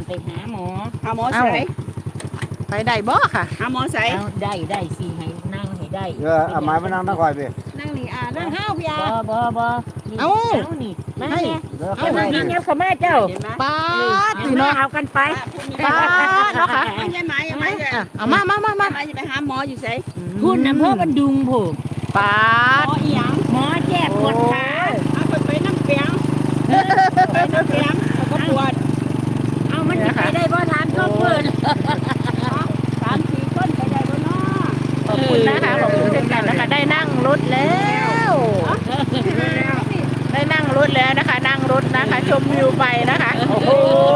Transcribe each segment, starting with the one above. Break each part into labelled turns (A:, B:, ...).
A: ไปหาหมอ
B: หาหมอใส่
C: ไปได้บ่ค่ะ
B: หาหมอใส่
A: เอาได้สิให้นั่งให้ได้
D: เอาไม้มานั่งตะคอยพี่
B: นั่งนี่นั่งห้าวพี่อา
A: บ่นี่เอานี่มาแม่เอามานี่เนี่ยเขามาเจ้า
B: เห็นไหม
C: ป้าด
A: เอา
C: พี่
A: มา
C: เนาะ
A: เอากันไป
C: ป้าดเนาะค่ะ
B: ไม่ใช่ไหมใช่ไหม
C: เอามา
B: จะไปหาหมออยู่ใส่
A: พูดนะเพื่อมันดุงผูก
C: ป้า
B: หม
C: ด
B: ออีหยัง
A: หมอแจ้ปวดขา
B: เอาไปน้ำเปียงไปน้ำเปียงก็ปวด
A: เอามันจะไปได้บ่ทานก็เปิด
B: 3-4 คนไปได้บ่เนาะ
C: ขอบคุณนะคะขอบคุณเช่นกันนะคะได้นั่งรถแล้ว ได้นั่งรถแล้วนะคะ นั่งรถนะคะ ชมวิวไปนะคะโอ้โห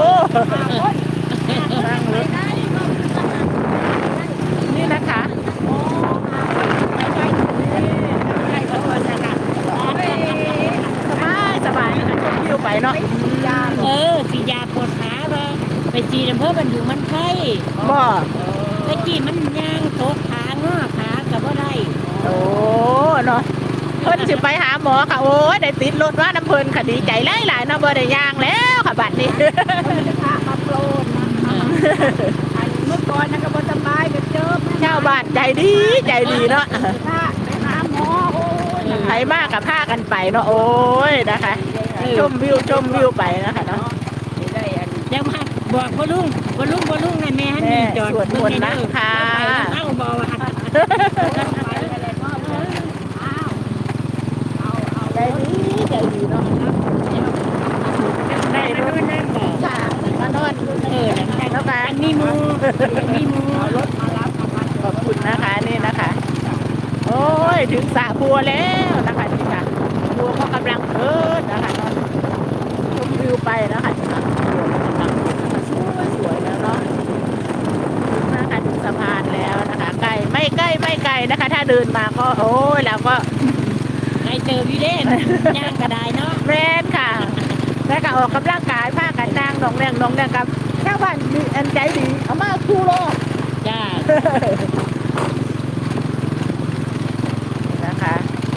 C: นั่งรถนี่นะคะสบายนะคะชมวิวไปเนาะ
A: สียาปวดขาบ่ไปจีนอำเภอมันอยู่มันไข้
C: บ่
A: ไปจีมันย่างโตขาง้อขากับบ่ได้
C: โอ้เนาะเพิ่นสิไปหาหมอค่ะโอ้ยได้ติดรถว่าน้ำเพิ่นค่ะดีใจหลายๆเนาะบ่ได้ย่างแล้วค่ะบัดนี้
B: มาโปรดเมื่อก่อนนะก็บ่สบายก็เจอ
C: ชาวบ้านใจดีเนาะ
B: ไปหาหมอโอ้ย
C: ใครมากกับพากันไปเนาะโอ้ยนะคะชมวิวไปนะคะเนาะ
A: เดี๋ยวมาบอกบ่ลุงนะแม่ฮันนี่จอด
C: สวดมนต์นะคะ
A: เอาบ่ว่า
C: ใจดีเนาะ
A: ได้รถนั่นบ่
C: ค่ะมานอนแล้วกัน
A: มีหมูรถ
C: ขอบคุณนะคะนี่นะคะ โอ้ยถึงสระบัวแล้วนะคะนี่ค่ะบัวก็กำลังเกิดนะคะเนาะชมวิวไปนะคะนี่ค่ะสวยแล้วเนาะถึงนะคะถึงสะพานแล้วนะคะใกล้ไม่ใกล้นะคะ ถ้าเดินมาก็โอ้ยแล้วก็
A: ให้เจอพี่เด้นย่างก็ได้เนาะ
C: แม่นค่ะแล้วก็ออกกำลังกายผ้ากันนางนองแดงกับชาวบ้านมีอันใจดีเอามาคู่โลก
A: จ้า
C: นะคะ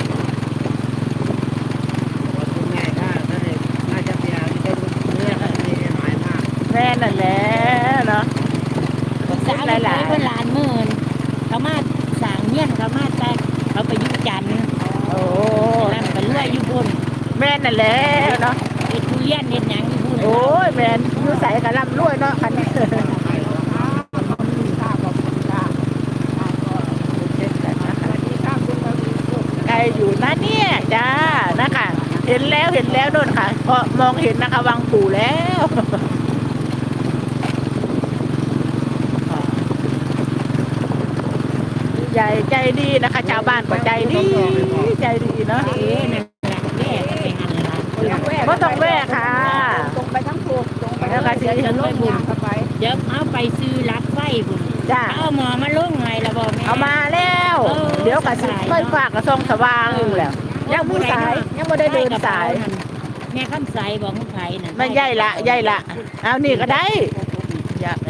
D: ง่ายค่ะน่าจะเสียที่เป็นเนื้อที่หมายมาก
C: แม่นั่นแหละเนาะ
A: สาวหลายเพิ่นล้านหมื่นเขามาสร้างเงี้ยนเขามาแต่เขาไปอยู่จันทน์
C: โอ้
A: นั่นก็เลื่อยอยู่พุ่น
C: แม่นั่นแหละเนาะ
A: เฮ็ดทุเรียนเฮ็ดหยังอยู่พุ่น
C: โอ้ยแม่นอยู่ใส่กะลำรวยเนาะคันนี้ไกลอยู่นะเนี่ยจ้านะคะ เห็นแล้วโน่นค่ะเพราะมองเห็นนะคะวังปู่แล้วใหญ่ใจดีนะคะ ชาวบ้านก็ใจดีเนาะ
A: นั่นแหละแม่ก็ไปหันล่ะ
C: ก็ต้องแวะค่ะ
B: ตรงไปทั้งถูกตรงไป
C: แล้วก็สิ
B: จะลงยางเข้าไป
A: เดี๋ยวเอาไปซื้อลักไฟพุ่น
C: จ้า
A: เอาหมอมาลงไงล่ะบ่แม่
C: เอามาแล้ว เดี๋ยวก็สิไฟฝากกระซองสว่างแล้วยังมีสายยังไม่ได้เดินสาย
A: แม่คำใสบอกของไผนั่น
C: มันใหญ่ละเอานี่ก็ได้อยากนะ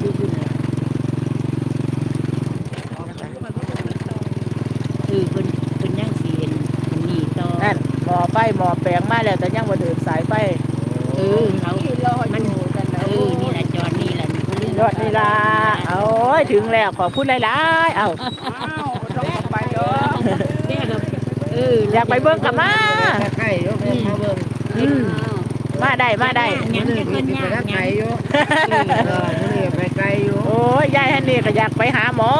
A: เพิ่นยังสิเห็นนี่ต่อ
C: นั่นหมอไฟหมอแปลงมาแล้วแต่ยังบ่เดินสายไฟ
A: เขา
B: ที่รออยู่กันนะ
A: นี่แหละจอดนี่แหละ
C: ยอดนี่ละโอ้ยถึงแล้วขอพูดหลายๆเอา
B: ต้องไปเด้อ
A: แม่ก็
C: อยากไปเบิ่งกับมา
D: ใกล้ยกมาเบิ่ง
C: อืมมาได้
A: ยังจะเพิ่นยาก
D: ไกลอยู่นี่ไปไกลอยู่
C: โอ้ยยายฮันนี่ก็อยากไปหาหมอ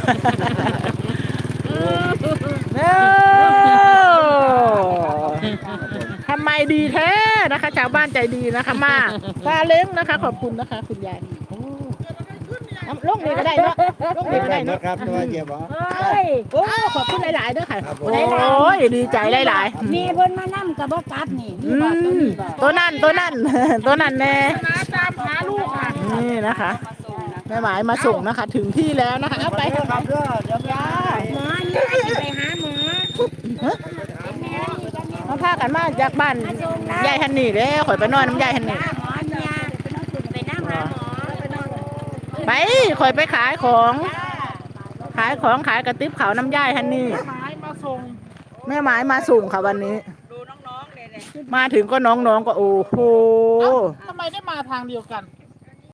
C: เอ้าทำไมดีแท้นะคะ ชาวบ้านใจดีนะคะมาซาเล้งนะคะ ขอบคุณนะคะ คุณยายโอ้ลงนี่ก็ได้เนาะลงนี่ก็ได้เนาะ
D: ครับตัวเจ็บเหรอ
C: โอ้ขอบคุณหลายๆด้วยค่ะ
D: ครับผม
C: โอ้ยดีใจหลาย
A: มีเพิ่นมานํก็บ่กลับนี่
C: ๆตัวนั่น ตัวนั่นแน่
B: ตามหาลูกค่ะ
C: นี่นะคะแม่หมายมาส่งนะคะ ถึงที่แล้วนะคะเอาไป
D: ครับเด้อเดี๋ยวจ้า
A: หมอนี่ไปหาหมอ
C: มาพากันมาจากบ้านยายฮันนี่แล้วข่อยไปนอนน้ำยายฮันนี่
A: หมอเนี่ยไปนำหาหมอ
C: ไปข่อยไปขายของขายกระติบเขาวน้ำยายฮันนี่แม่หมายมาส่งค่ะวันนี้
B: ดูน้องๆเนี่ย
C: มาถึงก็น้องๆก็โอ้โห
E: ทำไมได้มาทางเดียวกัน